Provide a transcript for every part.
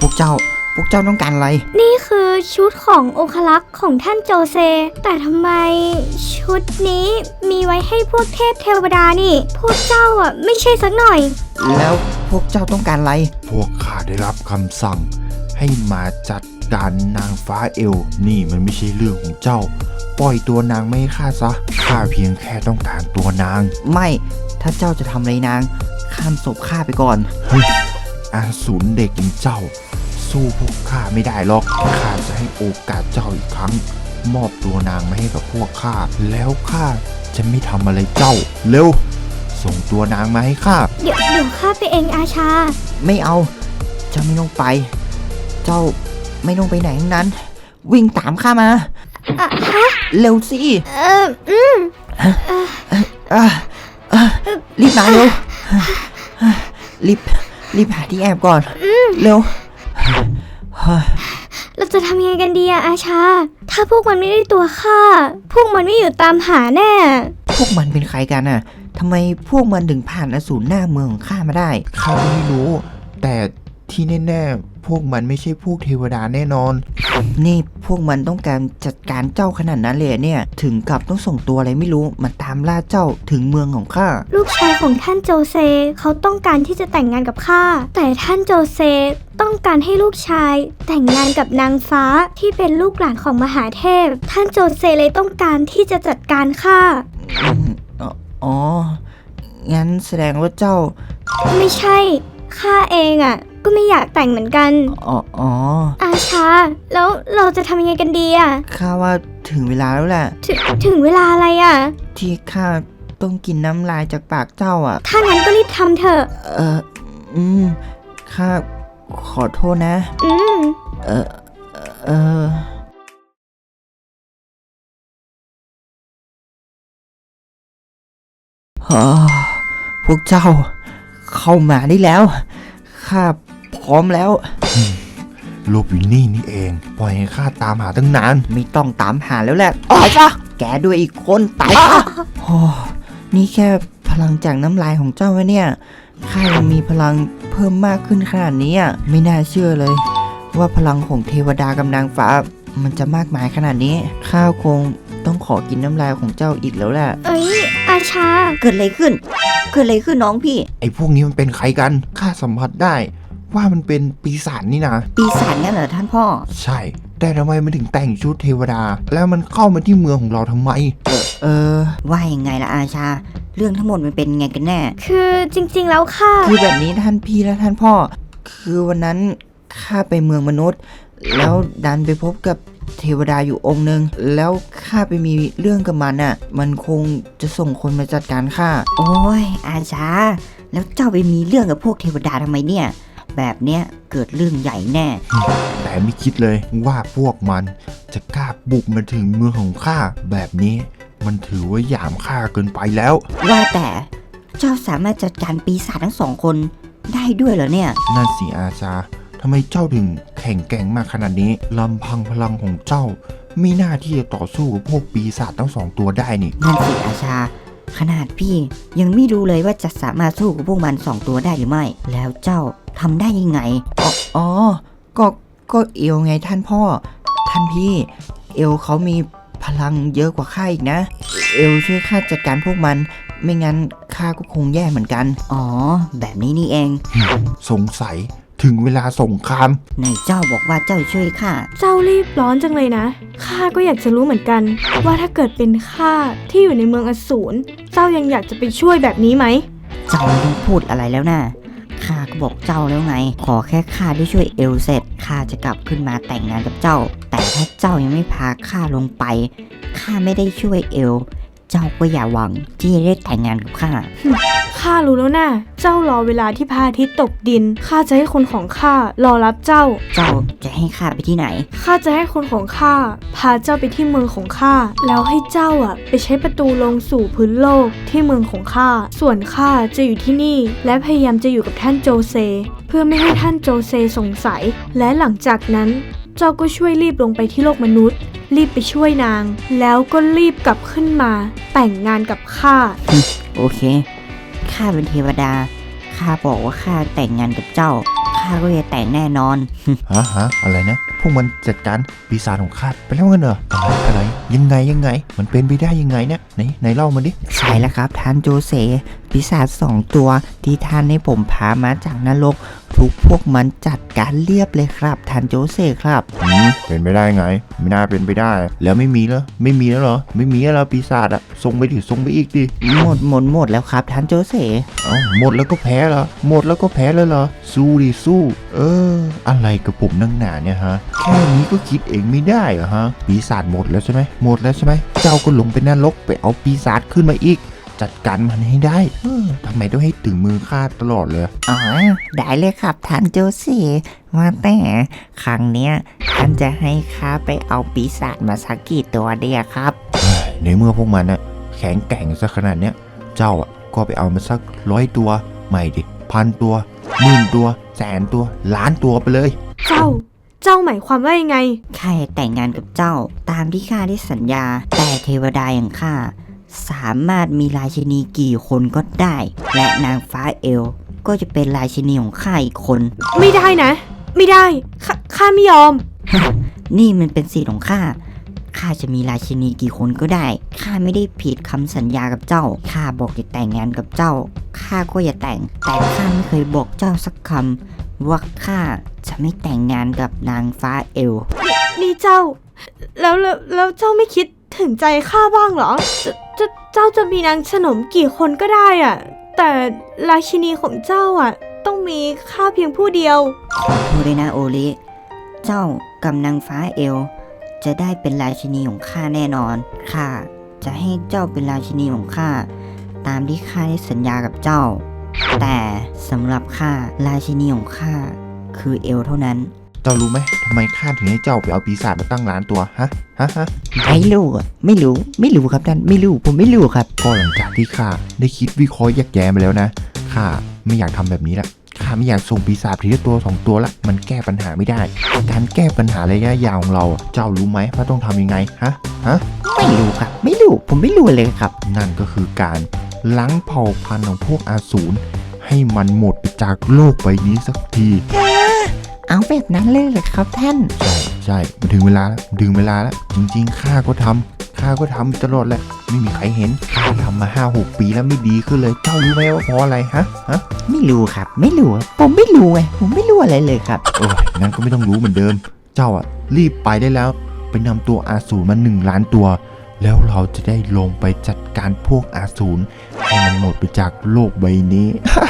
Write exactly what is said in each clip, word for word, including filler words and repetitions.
วกเจ้าพวกเจ้าต้องการอะไรนี่คือชุดขององครักษ์ของท่านโจเซแต่ทำไมชุดนี้มีไว้ให้พวกเทพเทวดานี่พวกเจ้าอ่ะไม่ใช่สักหน่อยแล้วพวกเจ้าต้องการอะไรพวกข้าได้รับคำสั่งให้มาจัดการนางฟ้าเอลนี่มันไม่ใช่เรื่องของเจ้าปล่อยตัวนางไม่ให้ข้าซะข้าเพียงแค่ต้องการตัวนางไม่ถ้าเจ้าจะทำอะไรนางข้ามศพข้าไปก่อนเฮ้ยอาสูรเด็กอย่างเจ้าสู้พวกข้าไม่ได้หรอกข้าจะให้โอกาสเจ้าอีกครั้งมอบตัวนางมาให้กับพวกข้าแล้วข้าจะไม่ทำอะไรเจ้าเร็วส่งตัวนางมาให้ข้าเดี๋ยวเดี๋ยวข้าไปเองอาชาไม่เอาเจ้าไม่ต้องไปเจ้าไม่ต้องไปไหนทั้งนั้นวิ่งตามข้ามาอะฮะเร็วสิเอออืมรีบมาเร็วรีบรีบหาที่แอบก่อนเร็วเราจะทำยังไงกันดีอะอาชาถ้าพวกมันไม่ได้ตัวข้าพวกมันไม่อยู่ตามหาแน่พวกมันเป็นใครกันน่ะทำไมพวกมันถึงผ่านอสูรหน้าเมืองของข้ามาได้ข้าไม่รู้แต่ที่แน่ๆพวกมันไม่ใช่พวกเทวดาแน่นอนนี่พวกมันต้องการจัดการเจ้าขนาดนั้นเลยเนี่ยถึงกับต้องส่งตัวอะไรไม่รู้มาตามล่าเจ้าถึงเมืองของข้าลูกชายของท่านโจเซเขาต้องการที่จะแต่งงานกับข้าแต่ท่านโจเซต้องการให้ลูกชายแต่งงานกับนางฟ้าที่เป็นลูกหลานของมหาเทพท่านโจเซเลยต้องการที่จะจัดการข้าอ๋องั้นแสดงว่าเจ้าไม่ใช่ข้าเองอ่ะก็ไม่อยากแต่งเหมือนกันอ๋ออ๋ออาชาแล้วเราจะทำยังไงกันดีอ่ะข้าว่าถึงเวลาแล้วแหละถึงถึงเวลาอะไรอ่ะที่ข้าต้องกินน้ำลายจากปากเจ้าอ่ะถ้างั้นก็รีบทำเถอะเอออืมข้าขอโทษนะอืมเออเออฮะพวกเจ้าเข้ามาได้แล้วข้าพร้อมแล้วลูกอยู่นี่นี่เองปล่อยให้ข้าตามหาตั้งนานไม่ต้องตามหาแล้วแหละอ๋อจ้ะแกด้วยอีกคนตายโอ้นี่แค่พลังจากน้ำลายของเจ้าวะเนี่ยข้ายังมีพลังเพิ่มมากขึ้นขนาดนี้อ่ะไม่น่าเชื่อเลยว่าพลังของเทวดากับนางฟ้ามันจะมากมายขนาดนี้ข้าคงต้องขอกินน้ำลายของเจ้าอีกแล้วแหละเอ้ยอาชาเกิดอะไรขึ้นเกิดอะไรขึ้นน้องพี่ไอ้พวกนี้มันเป็นใครกันข้าสัมผัสได้ว่ามันเป็นปีศาจนี่นะปีศาจงั้นเหรอท่านพ่อใช่แต่ทำไมมันถึงแต่งชุดเทวดาแล้วมันเข้ามาที่เมืองของเราทำไมเออเออว่ายังไงล่ะอาชาเรื่องทั้งหมดมันเป็นไงกันแน่คือจริงๆแล้วค่ะคือแบบนี้ท่านพี่และท่านพ่อคือวันนั้นข้าไปเมืองมนุษย์แล้วดันไปพบกับเทวดาอยู่องค์นึงแล้วข้าไปมีเรื่องกับมันอ่ะมันคงจะส่งคนมาจัดการข้าโอ้ยอาชาแล้วเจ้าไปมีเรื่องกับพวกเทวดาทำไมเนี่ยแบบเนี้ยเกิดเรื่องใหญ่แน่แต่ไม่คิดเลยว่าพวกมันจะกล้าบุกมาถึงเมืองของข้าแบบนี้มันถือว่าหยามข้าเกินไปแล้วว่าแต่เจ้าสามารถจัดการปีศาจทั้งสองคนได้ด้วยเหรอเนี่ยนั่นสิอาชาทำไมเจ้าถึงแข็งแกร่งมากขนาดนี้ลำพังพลังของเจ้ามีหน้าที่จะต่อสู้กับพวกปีศาจทั้งสองตัวได้นี่นั่นสิอาชาขนาดพี่ยังไม่รู้เลยว่าจะสามารถสู้กับพวกมันสองตัวได้หรือไม่แล้วเจ้าทำได้ยังไงอ๋ออ๋อก็ก็เอลไงท่านพ่อท่านพี่เอลเขามีพลังเยอะกว่าข้าอีกนะเอลช่วยข้าจัดการพวกมันไม่งั้นข้าก็คงแย่เหมือนกันอ๋อแบบนี้นี่เองสงสัยถึงเวลาสงครามไหนเจ้าบอกว่าเจ้าช่วยข้าเจ้ารีบร้อนจังเลยนะข้าก็อยากจะรู้เหมือนกันว่าถ้าเกิดเป็นข้าที่อยู่ในเมืองอสูรเจ้ายังอยากจะไปช่วยแบบนี้ไหมเจ้าไม่ต้องพูดอะไรแล้วนะข้าก็บอกเจ้าแล้วไงขอแค่ข้าได้ช่วยเอลเสร็จข้าจะกลับขึ้นมาแต่งงานกับเจ้าแต่ถ้าเจ้ายังไม่พาข้าลงไปข้าไม่ได้ช่วยเอลเจ้าก็อย่าหวังที่จะได้แต่งงานกับข้าข้ารู้แล้วนะเจ้ารอเวลาที่พระอาทิตย์ตกดินข้าจะให้คนของข้ารอรับเจ้าเจ้าจะให้ข้าไปที่ไหนข้าจะให้คนของข้าพาเจ้าไปที่เมืองของข้าแล้วให้เจ้าอ่ะไปใช้ประตูลงสู่พื้นโลกที่เมืองของข้าส่วนข้าจะอยู่ที่นี่และพยายามจะอยู่กับท่านโจเซเพื่อไม่ให้ท่านโจเซสงสัยและหลังจากนั้นเจ้าก็ช่วยรีบลงไปที่โลกมนุษย์รีบไปช่วยนางแล้วก็รีบกลับขึ้นมาแต่งงานกับข้าโอเคข้าเป็นเทวดาข้าบอกว่าข้าแต่งงานกับเจ้าข้าข้าก็จะแต่งแน่นอนฮะฮะอะไรนะพวกมันจัดการปีศาจของข้าไปแล้วกันเหรออะไรอะไรยังไงยังไงมันเป็นไปได้ยังไงเนี่ยไหนไหนเล่ามาดิใช่แล้วครับท่านโจเซปีศาจสองตัวที่ท่านให้ผมพามาจากนรกทุกพวกมันจัดการเรียบเลยครับท่านโจเซครับอืมเป็นไปได้ไงไม่น่าเป็นไปได้ แล้วไม่มีแล้วไม่มีแล้วเหรอไม่มีแล้วเหรอปีศาจอะส่งไปดิส่งไปอีกดิหมดหมดหมดแล้วครับท่านโจเซเอ้าหมดแล้วก็แพ้เหรอหมดแล้วก็แพ้เลยเหรอสู้ดิสู้ เออ อะไรกับผมนั่งหนาเนี่ยฮะแค่นี้ก็คิดเองไม่ได้เหรอฮะปีศาจหมดแล้วใช่ไหมหมดแล้วใช่ไหมเจ้าก็ลงไปนรกไปเอาปีศาจขึ้นมาอีก จัดการมันให้ได้เออทำไมต้องให้ถึงมือข้าตลอดเลยอ๋อได้เลยครับท่านโจเซว่าแต่ครั้งเนี้ยท่านจะให้ข้าไปเอาปีศาจมาสักกี่ตัวเดียครับเฮ้ยในเมื่อพวกมันน่ะแข็งแกร่งซะขนาดเนี้ยเจ้าอ่ะก็ไปเอามาสักร้อยตัวไม่ดิพันตัวหมื่นตัวแสนตัวล้านตัวไปเลยเจ้า เจ้าหมายความว่ายังไงข้าจะแต่งงานกับเจ้าตามที่ข้าได้สัญญา แต่เทวดาอย่างข้าสามารถมีราชินีกี่คนก็ได้ และนางฟ้าเอลก็จะเป็นราชินีของข้าอีกคนไม่ได้นะ ไม่ได้ข้าข้าไม่ยอมนี่มันเป็นสิทธิ์ของข้าข้าจะมีราชินีกี่คนก็ได้ข้าไม่ได้ผิดคำสัญญากับเจ้าข้าบอกจะแต่งงานกับเจ้าข้าก็อย่าแต่ง แต่ข้าไม่เคยบอกเจ้าสักคำว่าข้าจะไม่แต่งงานกับนางฟ้าเอลนี่เจ้า แล้วแล้วแล้วเจ้าไม่คิดถึงใจข้าบ้างเหรอจะจะเจ้าจะมีนางสนมกี่คนก็ได้อะแต่ราชินีของเจ้าอ่ะ ต้องมีข้าเพียงผู้เดียวขอพูดเลยนะโอลิเจ้ากับนางฟ้าเอลจะได้เป็นราชินีของข้าแน่นอนข้าจะให้เจ้าเป็นราชินีของข้าตามที่ข้าได้สัญญากับเจ้า แต่สำหรับข้าราชินีของข้าคือเอลเท่านั้นเจ้ารู้ไหมทำไมข้าถึงให้เจ้าไปเอาปีศาจมาตั้งล้านตัวฮะฮะฮะไม่รู้อะไม่รู้ไม่รู้ครับท่านไม่รู้ผมไม่รู้ครับก็หลังจากที่ข้าได้คิดวิเคราะห์แยกแยะมาแล้วนะข้าไม่อยากทำแบบนี้ละข้าไม่อยากส่งปีศาจทีละตัวสองตัวละมันแก้ปัญหาไม่ได้การแก้ปัญหาระยะยาวของเราอะเจ้ารู้ไหมว่าต้องทำยังไงฮะฮะไม่รู้ครับ ไม่รู้ผมไม่รู้เลยครับนั่นก็คือการล้างเผ่าพันธุ์ของพวกอาสูรให้มันหมดไปจากโลกใบนี้สักทีเอาแบบนั้นเลยเหรอครับท่านใช่ใช่มันถึงเวลาแล้วถึงเวลาแล้วจริงๆข้าก็ทำข้าก็ทำตลอดแหละไม่มีใครเห็นข้าทำมาห้าหกปีแล้วไม่ดีขึ้นเลยเจ้ารู้ไหมว่าเพราะอะไรฮะฮะไม่รู้ครับ ไม่รู้ผมไม่รู้ไงผมไม่รู้อะไรเลยครับโอ้ยงั้นก็ไม่ต้องรู้เหมือนเดิม เจ้าอ่ะรีบไปได้แล้วไปนำตัวอาสูรมาหนึ่งล้านตัว แล้วเราจะได้ลงไปจัดการพวกอาสูรให้มันหมดไปจากโลกใบนี้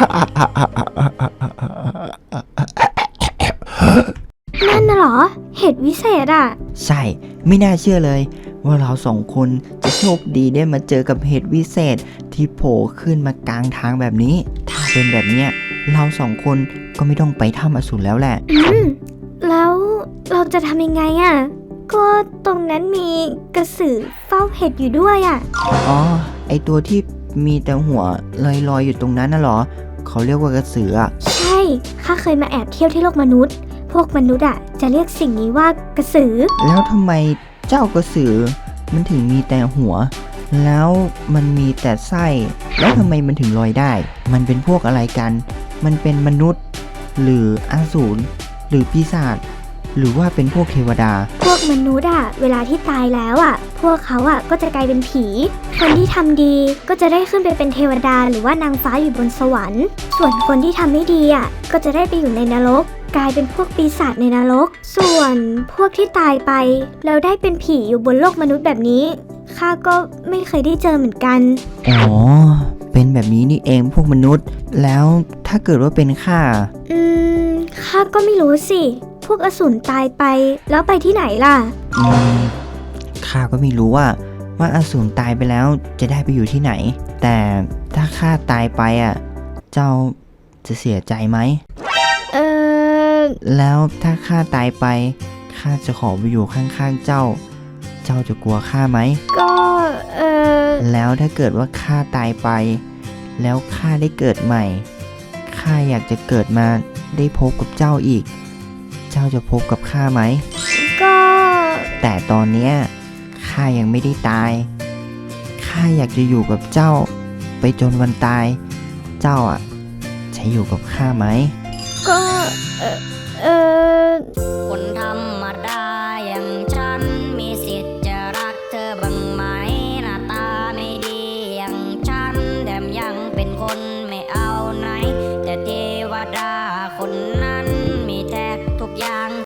นั่นน่ะเหรอ เห็ดวิเศษอ่ะใช่ ไม่น่าเชื่อเลย ว่าเราสองคนจะโชคดีได้มาเจอกับเหตุวิเศษที่โผล่ขึ้นมากลางทางแบบนี้ ถ้าเป็นแบบเนี้ยเราสองคนก็ไม่ต้องไปถ้ำอสูรแล้วแหละอืม แล้วเราจะทำยังไงอ่ะ ก็ตรงนั้นมีกระสือเฝ้าเห็ดอยู่ด้วยอ่ะอ๋อ ไอตัวที่มีแต่หัวลอยๆอยู่ตรงนั้นน่ะเหรอ เขาเรียกว่ากระสืออะใช่ ข้าเคยมาแอบเที่ยวที่โลกมนุษย์ พวกมนุษย์อ่ะจะเรียกสิ่งนี้ว่ากระสือแล้วทำไมเจ้ากระสือมันถึงมีแต่หัว แล้วมันมีแต่ไส้ แล้วทำไมมันถึงลอยได้ มันเป็นพวกอะไรกัน มันเป็นมนุษย์ หรืออสูรหรือปีศาจหรือว่าเป็นพวกเทวดาพวกมนุษย์อ่ะ เวลาที่ตายแล้วอ่ะ พวกเขาอ่ะก็จะกลายเป็นผี คนที่ทำดีก็จะได้ขึ้นไปเป็นเทวดาหรือว่านางฟ้าอยู่บนสวรรค์ ส่วนคนที่ทำไม่ดีอ่ะก็จะได้ไปอยู่ในนรก กลายเป็นพวกปีศาจในนรก ส่วนพวกที่ตายไปแล้วได้เป็นผีอยู่บนโลกมนุษย์แบบนี้ข้าก็ไม่เคยได้เจอเหมือนกันอ๋อ เป็นแบบนี้นี่เองพวกมนุษย์ แล้วถ้าเกิดว่าเป็นข้าอืมข้าก็ไม่รู้สิ พวกอสูรตายไปแล้วไปที่ไหนล่ะอืมข้าก็ไม่รู้ว่า ว่าอสูรตายไปแล้วจะได้ไปอยู่ที่ไหน แต่ถ้าข้าตายไปอ่ะ เจ้าจะเสียใจไหมเออแล้วถ้าข้าตายไปข้าจะขอไปอยู่ข้างๆเจ้า เจ้าจะกลัวข้าไหมก็เออแล้วถ้าเกิดว่าข้าตายไป แล้วข้าได้เกิดใหม่ข้าอยากจะเกิดมาได้พบกับเจ้าอีก เจ้าจะพบกับข้าไหมก็แต่ตอนเนี้ยข้ายังไม่ได้ตายข้าอยากจะอยู่กับเจ้า ไปจนวันตาย เจ้าอ่ะจะอยู่กับข้าไหมก็เออเออคนธรรมดาอย่างฉันมีสิทธิ์จะรักเธอบ้างไหมหน้าตาไม่ดีอย่างฉันแถมยังเป็นคนไม่เอาไหนแต่เทวดาคนไหน